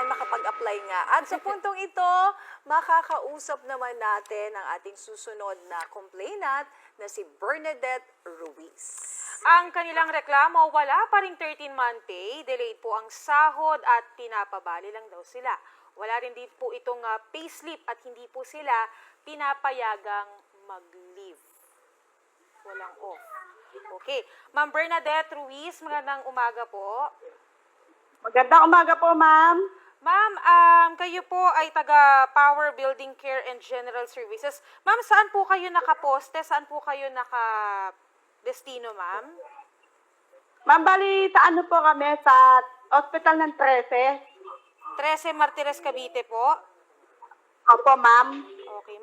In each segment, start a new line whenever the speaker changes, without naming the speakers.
makapag-apply nga. At sa puntong ito, makakausap naman natin ang ating susunod na complainant na si Bernadette Ruiz.
Ang kanilang reklamo, wala pa ring 13-month pay, delayed po ang sahod at pinapabali lang daw sila. Wala rin din po itong payslip at hindi po sila pinapayagang mag-leave. Walang off. Okay. Ma'am Bernadette Ruiz, magandang umaga po.
Magandang umaga po, ma'am.
Ma'am, kayo po ay taga Power Building Care and General Services. Ma'am, saan po kayo nakaposte? Saan po kayo naka-destino, ma'am?
Ma'am, bali, sa ano po kami? Sa Hospital ng 13.
13 Martires, Cavite po.
Opo, ma'am.
Okay,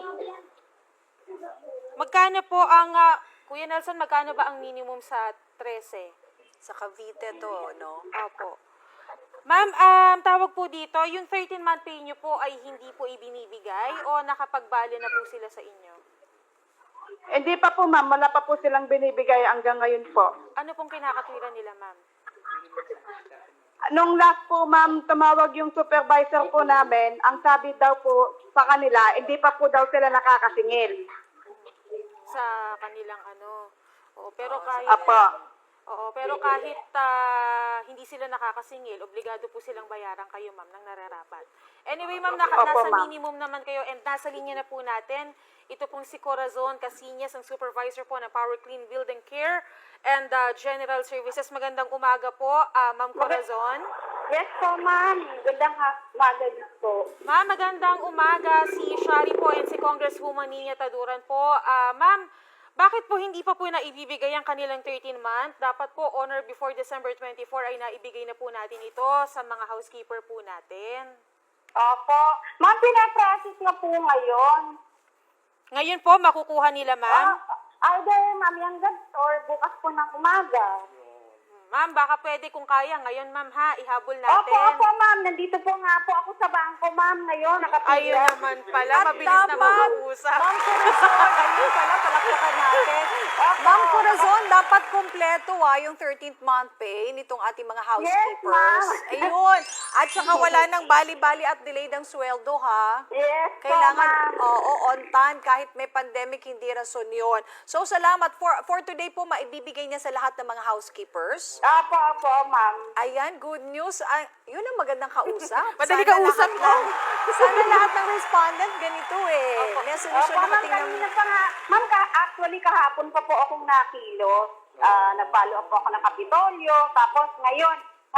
magkano po ang, Kuya Nelson, magkano ba ang minimum sa 13?
Sa Cavite to, no?
Opo. Ma'am, tawag po dito, yung 13-month pay nyo po ay hindi po ibinibigay o nakapagbali na po sila sa inyo?
Hindi pa po, ma'am. Wala pa po silang binibigay hanggang ngayon po.
Ano pong kinakatwiran nila, ma'am?
Nung last po, ma'am, tumawag yung supervisor po namin. Ang sabi daw po sa kanila, hindi pa po daw sila nakakasingil.
Sa kanilang ano. Oo, pero kahit
Apo.
pero kahit hindi sila nakakasingil, obligado po silang bayaran kayo, ma'am, ng nararapat. Anyway, ma'am,
Opo,
nasa
ma'am.
minimum naman kayo and nasa linya na po natin. Ito pong si Corazon Casinas, ang supervisor po ng Power Clean Building Care and General Services. Magandang umaga po, Ma'am Corazon.
Yes po, ma'am. Gandang umaga po.
Ma'am, magandang umaga. Si Shari po and si Congresswoman Nina Taduran po. Ma'am, bakit po hindi pa po naibibigay ang kanilang 13-month? Dapat po on or before December 24 ay naibigay na po natin ito sa mga housekeeper po natin.
Opo. Ma'am, pinaprocess na po ngayon.
Ngayon po, makukuha nila, ma'am?
Either mamayang gabi or bukas po ng umaga.
Ma'am, baka pwede kung kaya. Ngayon, ma'am, ha? Ihabol natin.
Opo, ma'am. Nandito po nga po ako sa bangko, ma'am. Ngayon, nakapila.
Ayun naman pala.
At
Mabilis na
dapat,
mag-uusap.
Ma'am Corazon, ayun pala, palakpakan natin. Ma'am Corazon, dapat kompleto yung 13th month pay nitong ating mga housekeepers.
ma'am.
Ayun. At saka wala nang bali-bali at delayed ang sweldo, ha?
Yes
Kailangan,
po, ma'am.
oo, on time, kahit may pandemic, hindi rason yun. So, salamat. For today po, maibibigay niya sa lahat ng mga housekeepers.
Opo, ma'am.
Ayan, good news. Yun ang magandang kausap.
Madali
Sana
kausap
lahat
mo.
Sana lahat ng respondent ganito eh. May solusyon
Opo,
na
ma'am.
katingnan.
Kanina pa nga. Ma'am, actually, kahapon pa po akong nakilo. Nag-follow up po ako ng Kapitolyo. Tapos, ngayon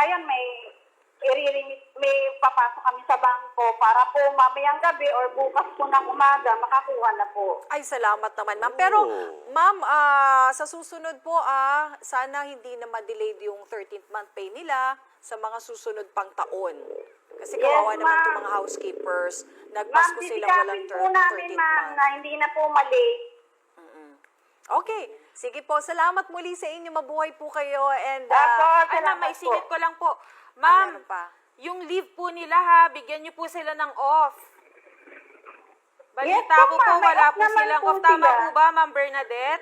may papasok kami sa bangko para po mamayang gabi or bukas po ng umaga makakuha na po.
Ay, salamat naman, ma'am. Pero, ma'am, sa susunod po, sana hindi na ma-delayed yung 13th month pay nila sa mga susunod pang taon. Kasi kawawa
Yes,
naman itong
ma'am.
mga housekeepers.
Ma'am,
Nagpasko silang walang
sisikapin po namin,
13th
ma'am,
month.
na hindi na po mali.
Okay. Sige po. Salamat muli sa inyo. Mabuhay po kayo. And,
Opo,
Ay, ma'am,
salamat
may singit
po.
ko lang po. Ma'am,
meron pa.
yung leave po nila, ha, bigyan niyo po sila ng off. Balita
Yes
ko
po,
po,
ma'am. May
wala
off
po
naman
silang
po
off. Tama
sila.
po ba, Ma'am Bernadette?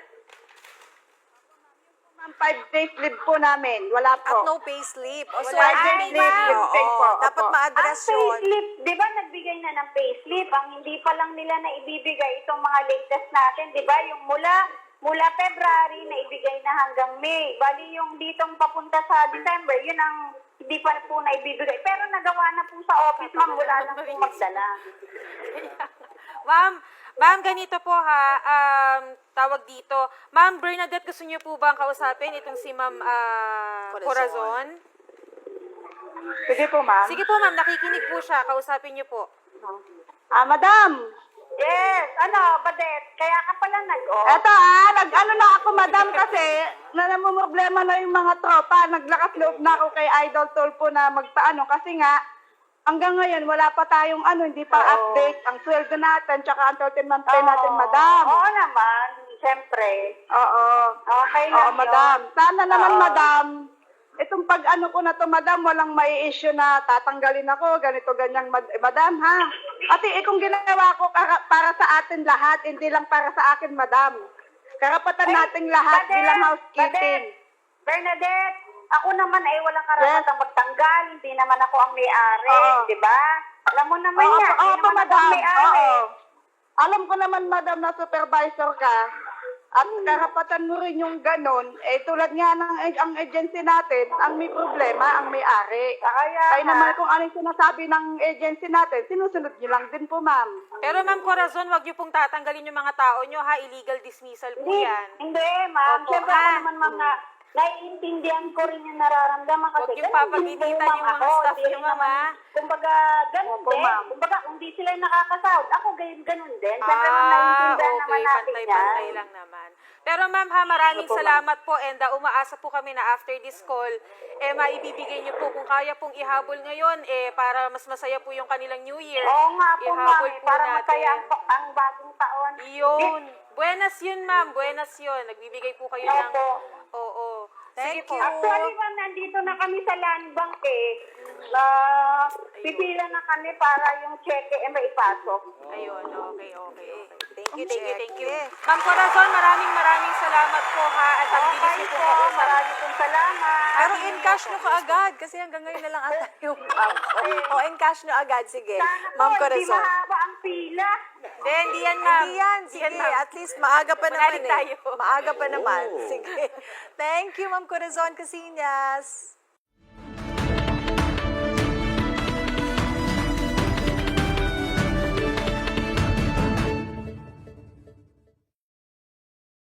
Ma'am, 5 days leave po namin. Wala po.
At no pay slip. O, so,
5 days
ay,
leave,
ma'am,
yung pay po.
oo, dapat
Opo.
ma-address
Ang
yun.
payslip, di ba nagbigay na ng payslip? Ang hindi pa lang nila na ibibigay itong mga latest natin, di ba? Yung mula February na ibigay na hanggang May. Bali yung ditong papunta sa December, yun ang hindi pa po na ibibigay. Pero nagawa na po sa office, ma'am. Wala lang po magdala.
Ma'am, ganito po ha, tawag dito. Ma'am Bernadette, gusto niyo po bang kausapin itong si Ma'am Corazon?
Sige po, ma'am.
Sige po, ma'am, nakikinig po siya. Kausapin niyo po.
Madam. Yes, Badet, kaya ka pala nag-off.
Eto nag-ano na ako madam kasi namumroblema na yung mga tropa. Naglakas loob na ako kay Idol Tulfo na magpaano kasi nga hanggang ngayon wala pa tayong hindi pa update ang sweldo natin tsaka ang 13th month pay natin, madam.
Oo naman, siyempre.
Oo.
Okay
Oo,
lang yun.
madam. Sana naman,
Oo.
madam, itong pag-ano ko na to, madam, walang may issue na tatanggalin ako, ganito, ganyang, madam, ha? Ate, kung ginawa ko para sa atin lahat, hindi lang para sa akin, madam. Karapatan nating lahat
Badet,
bilang housekeeping.
Bernadette, Ako naman ay walang karapatang magtanggal. Hindi naman ako ang may-ari,
Oo.
di ba? Alam mo naman yan,
Oo,
hindi naman ako ang
madam.
may-ari.
Oo. Alam ko naman, madam, na supervisor ka. At karapatan mo rin yung ganon. Tulad nga ng ang agency natin, ang may problema, ang may-ari.
Kaya
Kaya naman kung anong sinasabi ng agency natin, sinusunod nyo lang din po, ma'am.
Pero Ma'am Corazon, wag niyo pong tatanggalin yung mga tao niyo ha. Illegal dismissal po yan.
Hindi, ma'am.
Opo,
Siyempre ako
ha?
naman, ma'am, na naiintindihan ko rin yung nararamdaman kasi
Huwag yung
ganun
papaginitan
din po,
yung mga
ako.
staff
Hindi
niyo,
rin
ma'am,
naman-
ha?
Kumbaga, ganun
Opo,
din.
ma'am.
Kumbaga, kung di sila nakakasahod, ako ganun din. Siyempre, ma'am, naiintindihan naman
okay,
natin
pantay-pantay
yan.
lang naman. Pero ma'am ha, maraming
Opo, ma'am.
salamat po and umaasa po kami na after this call, maibibigay niyo po kung kaya pong ihabol ngayon, para mas masaya po yung kanilang New Year.
Oo nga po, ma'am.
Ihabol po
Para
natin.
masaya ang bagong taon.
Yun. Buenas yun, ma'am. Buenas yun. Nagbibigay po kayo ng...
Opo.
Oo. Sige
Thank
po.
you.
Actually, ma'am, nandito na kami sa land bank pipila na kami para yung cheque maipasok.
Ayun, okay.
Thank you.
Ma'am Corazon, maraming salamat po ha. At ang bilis
Okay
niyo
po,
po kausap.
maraming pong salamat.
Pero in cash nyo kaagad kasi hanggang ngayon na lang ata yung O in cash nyo agad. Sige,
Sana po,
Ma'am
hindi
Corazon.
mahaba ang pila.
Hindi yan, ma'am.
Hindi yan. Sige,
ma'am.
at least maaga pa naman
Manalig tayo.
Maaga pa naman. Sige. Thank you, Ma'am Corazon Casillas.